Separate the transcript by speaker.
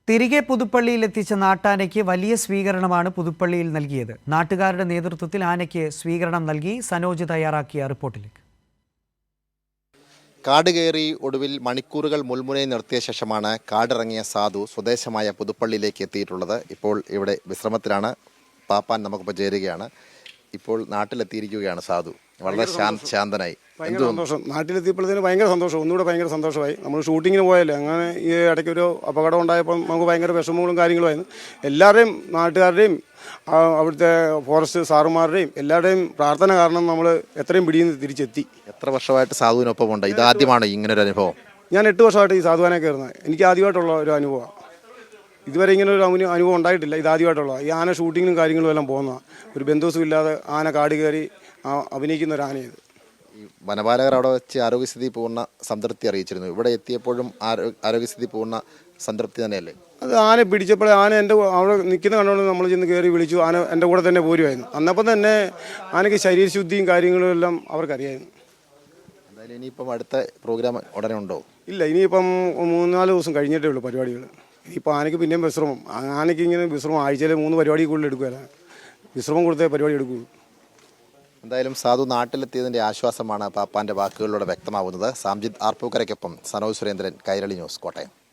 Speaker 1: തിരികെ പുതുപ്പള്ളിയിലെത്തിച്ച നാട്ടാനയ്ക്ക് വലിയ സ്വീകരണമാണ് പുതുപ്പള്ളിയിൽ നൽകിയത്. നാട്ടുകാരുടെ നേതൃത്വത്തിൽ ആനയ്ക്ക് സ്വീകരണം നൽകി. സനോജ് തയ്യാറാക്കിയ റിപ്പോർട്ടിലേക്ക്.
Speaker 2: കാട് കയറി ഒടുവിൽ മണിക്കൂറുകൾ മുൾമുനയിൽ നിർത്തിയ ശേഷമാണ് കാടിറങ്ങിയ സാധു സ്വദേശമായ പുതുപ്പള്ളിയിലേക്ക് എത്തിയിട്ടുള്ളത്. ഇപ്പോൾ ഇവിടെ വിശ്രമത്തിലാണ്. പാപ്പാൻ നമുക്കിപ്പോൾ ചേരുകയാണ്. ഇപ്പോൾ നാട്ടിലെത്തിയിരിക്കുകയാണ് സാധു. വളരെ ശാന്തനായി.
Speaker 3: ഭയങ്കര സന്തോഷം. നാട്ടിലെത്തിയപ്പോഴത്തേന് ഭയങ്കര സന്തോഷം. ഒന്നുകൂടെ ഭയങ്കര സന്തോഷമായി. നമ്മൾ ഷൂട്ടിങ്ങിന് പോയല്ലേ, അങ്ങനെ ഈ ഇടയ്ക്കൊരു അപകടം ഉണ്ടായപ്പോൾ നമുക്ക് ഭയങ്കര വിഷമങ്ങളും കാര്യങ്ങളുമായിരുന്നു. എല്ലാവരുടെയും നാട്ടുകാരുടെയും അവിടുത്തെ ഫോറസ്റ്റ് സാറുമാരുടെയും എല്ലാവരുടെയും പ്രാർത്ഥന കാരണം നമ്മൾ എത്രയും പിടിയിൽ നിന്ന് തിരിച്ചെത്തി.
Speaker 2: എത്ര വർഷമായിട്ട് സാധുവിനൊപ്പം ഉണ്ട്? ഇതാദ്യമാണ് ഇങ്ങനൊരു അനുഭവം?
Speaker 3: ഞാൻ 8 വർഷമായിട്ട് ഈ സാധുവാനെ കയറുന്നത്. എനിക്ക് ആദ്യമായിട്ടുള്ള ഒരു അനുഭവമാണ്. ഇതുവരെ ഇങ്ങനെ ഒരു അനുഭവം ഉണ്ടായിട്ടില്ല. ഇതാദ്യമായിട്ടുള്ള ഈ ആന ഷൂട്ടിങ്ങിനും കാര്യങ്ങളും എല്ലാം പോകുന്ന ഒരു ബന്ധുസും ഇല്ലാതെ ആന കാട് കയറി അഭിനയിക്കുന്ന ഒരു ആനയത്.
Speaker 2: ഈ വനപാലകർ അവിടെ വെച്ച് ആരോഗ്യസ്ഥിതി പൂർണ്ണ സംതൃപ്തി അറിയിച്ചിരുന്നു. ഇവിടെ എത്തിയപ്പോഴും ആരോഗ്യസ്ഥിതി പൂർണ്ണ സംതൃപ്തി തന്നെയല്ലേ?
Speaker 3: അത് ആന പിടിച്ചപ്പോൾ ആന എൻ്റെ അവിടെ നിൽക്കുന്ന കണ്ടുകൊണ്ട് നമ്മൾ ചെന്ന് കയറി വിളിച്ചു. ആന എൻ്റെ കൂടെ തന്നെ പോരുമായിരുന്നു. അന്നപ്പം തന്നെ ആനയ്ക്ക് ശരീരശുദ്ധിയും കാര്യങ്ങളും എല്ലാം അവർക്കറിയായിരുന്നു.
Speaker 2: എന്തായാലും ഇനിയിപ്പം അടുത്ത പ്രോഗ്രാം ഉടനെ ഉണ്ടോ?
Speaker 3: ഇല്ല, ഇനിയിപ്പം 3-4 ദിവസം കഴിഞ്ഞിട്ടേ ഉള്ളൂ പരിപാടികൾ. ഇനിയിപ്പോൾ ആനയ്ക്ക് പിന്നെയും വിശ്രമം. ആനയ്ക്ക് ഇങ്ങനെ വിശ്രമം ആഴ്ചയിൽ 3 പരിപാടി കൂടുതൽ എടുക്കുകയല്ല. വിശ്രമം കൊടുത്തേ പരിപാടി എടുക്കുകയുള്ളൂ.
Speaker 2: എന്തായാലും സാധു നാട്ടിലെത്തിയതിൻ്റെ ആശ്വാസമാണ് പാപ്പാൻ്റെ വാക്കുകളിലൂടെ വ്യക്തമാവുന്നത്. സാംജിത് ആർപ്പൂക്കരയ്ക്കൊപ്പം സനോജ് സുരേന്ദ്രൻ, കൈരളി ന്യൂസ്, കോട്ടയം.